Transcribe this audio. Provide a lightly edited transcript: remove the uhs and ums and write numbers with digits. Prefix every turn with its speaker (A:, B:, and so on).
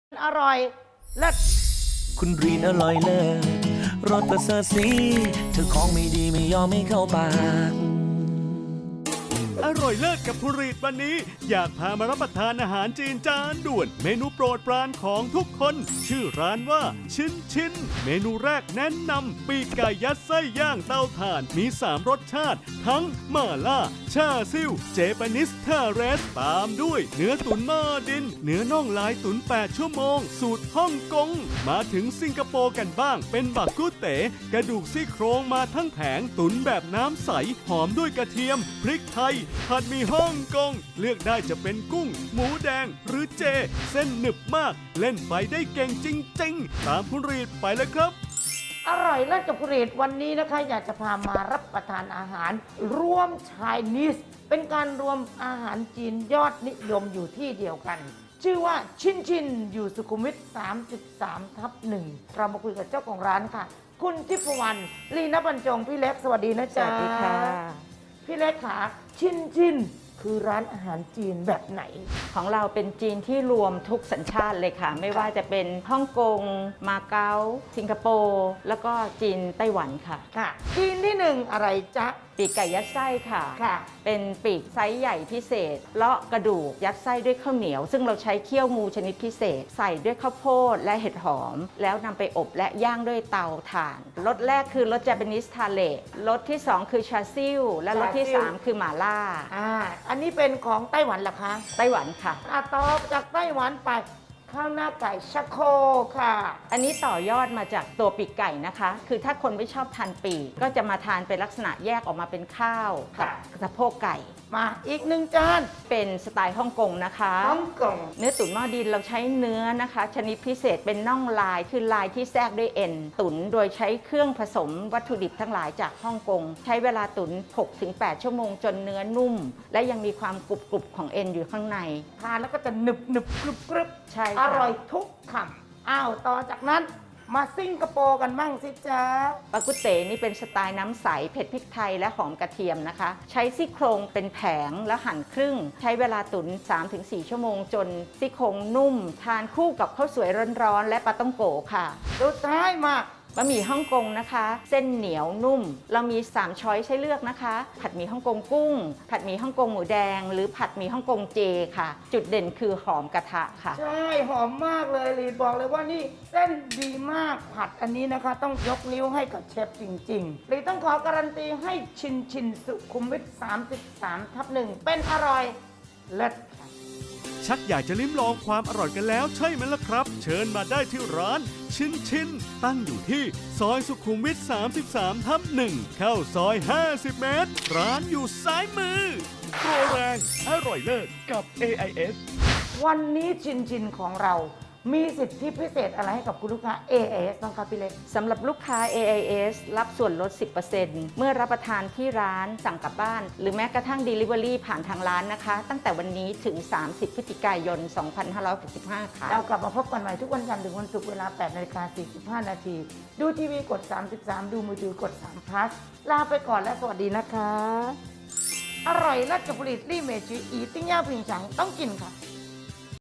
A: อร่อยเลิศ
B: คุณรีนอร่อยเลิศรสประเสริฐสีเธอของไม่ดีไม่ยอมไม่เข้าปาก
C: อร่อยเลิศกับผู้รีดวันนี้อยากพามารับประทานอาหารจีนจานด่วนเมนูโปรดปรานของทุกคนชื่อร้านว่าชินเมนูแรกแนะนำปีกไก่ยัดไส้ย่างเตาถ่านมี3รสชาติทั้งม่าล่าชาซิ่วเจแปนิสทาเรสตามด้วยเนื้อตุ๋นหม้อดินเนื้อน่องลายตุ๋น8 ชั่วโมงสูตรฮ่องกงมาถึงสิงคโปร์กันบ้างเป็นบักกุเต๋กระดูกซี่โครงมาทั้งแผงตุ๋นแบบน้ำใสหอมด้วยกระเทียมพริกไทยผัดหมี่ฮ่องกงเลือกได้จะเป็นกุ้งหมูแดงหรือเจเส้นหนึบมากเล่นไฟได้เก่งจริงๆตามคุณรีดไปเลยครับ
A: อร่อยเลิศกับผลิตวันนี้นะคะอยากจะพามารับประทานอาหารร่วมชายนิสเป็นการรวมอาหารจีนยอดนิยมอยู่ที่เดียวกัน ชื่อว่าชินอยู่สุขุมวิท33/1เรามาคุยกับเจ้าของร้านค่ะ คุณทิพวรรณลีนบรรจงพี่เล็กสวัสดีนะจ๊ะ
D: สวัสดีค่ะ
A: พี่เล็กค่ะชินคือร้านอาหารจีนแบบไหน
D: ของเราเป็นจีนที่รวมทุกสัญชาติเลยค่ะ ไม่ว่าจะเป็นฮ่องกง มาเก๊า สิงคโปร์ แล้วก็จีนไต้หวันค่ะ
A: ค่ะจีนที่หนึ่งอะไรจ๊ะ
D: ปีกไก่ยัดไส้ค่ะ
A: ค่ะ
D: เป็นปีกไซส์ใหญ่พิเศษ เลาะกระดูกยัดไส้ด้วยข้าวเหนียว ซึ่งเราใช้เคี่ยวงูชนิดพิเศษ ใส่ด้วยข้าวโพดและเห็ดหอม แล้วนำไปอบและย่างด้วยเตาถ่าน รสแรกคือรส Japaneseทาเลรสที่ 2 คือชาซิ่วและรสที่ 3 คือหม่าล่า
A: อันนี้เป็นของไต้หวันเหรอคะ
D: ไต้หวันค่ะ
A: ต่อจากไต้หวันไปข้าวหน้าไก่ชะโคค่ะ
D: อันนี้ต่อยอดมาจากตัวปีกไก่นะคะ คือถ้าคนไม่ชอบทานปีกก็จะมาทานเป็นลักษณะแยกออกมาเป็นข้าวกับสะโพกไก่
A: มาอีกหนึ่งจาน
D: เป็นสไตล์ฮ่องกงนะคะ
A: ฮ่องกง
D: เนื้อตุ๋นหม้อดินเราใช้เนื้อนะคะ ชนิดพิเศษเป็นน่องลายคือลายที่แทรกด้วยเอ็นตุ๋นโดยใช้เครื่องผสมวัตถุดิบทั้งหลายจากฮ่องกงใช้เวลาตุ๋น 6-8 ชั่วโมงจนเนื้อนุ่ม และยังมีความกรุบๆของเอ็นอยู่ข้างใน
A: ทานแล้วก็จะหนึบกรึบ
D: ใช่
A: อ
D: ค่ะ
A: ร่อยทุกคำอ้าวต่อจากนั้นมาสิงคโปร์กันบ้างสิจ๊ะ
D: ปากุเต๋นี่เป็นสไตล์น้ำใสเผ็ดพริกไทยและหอมกระเทียมนะคะ ใช้ซี่โครงเป็นแผงแล้วหั่นครึ่ง ใช้เวลาตุ๋น 3-4 ชั่วโมงจนซี่โครงนุ่ม ทานคู่กับข้าวสวยร้อนๆและปลาต้องโกค่ะ
A: สุดท้ายมา
D: บะหมี่ฮ่องกงนะคะ เส้นเหนียวนุ่ม เรามี 3 ช้อยให้เลือกนะคะ ผัดหมี่ฮ่องกงกุ้ง ผัดหมี่ฮ่องกงหมูแดง หรือผัดหมี่ฮ่องกงเจค่ะ จุดเด่นคือหอมกระทะค่ะ
A: ใช่หอมมากเลยลีดบอกเลยว่านี่เส้นดีมากผัดอันนี้นะคะ ต้องยกนิ้วให้กับเชฟจริงๆลีดต้องขอการันตีให้ชินสุขุมวิท33/1เป็นอร่อยเลิศค่ะ
C: ชักอยากจะลิ้มลองความอร่อยกันแล้วใช่ไหมล่ะครับ เชิญมาได้ที่ร้านชินตั้งอยู่ที่ซอยสุขุมวิท33/1เข้าซอย50 เมตร ร้านอยู่ซ้ายมือโปรแรงอร่อยเลิศกับ AIS
A: วันนี้ชินของเรามีสิทธิพิเศษอะไรให้กับคุณลูกค้า AIS บ้างครับพี่เล็ก
D: สำหรับลูกค้า AIS รับส่วนลด 10% เมื่อรับประทานที่ร้านสั่งกลับบ้าน หรือแม้กระทั่ง Delivery ผ่านทางร้านนะคะ ตั้งแต่วันนี้ถึง 30 พฤศจิกายน 2565 ค่ะ
A: เรากลับมาพบกันใหม่ทุกวันจันทร์ถึงวันศุกร์เวลา 8:45 นาที ดูทีวีกด 33 ดูมือถือกด3 plus ลาไปก่อนและสวัสดีนะคะ อร่อยเลิศกับผลิตลี่เมจิอีติ้งย่าผิงฉังต้องกินค่ะ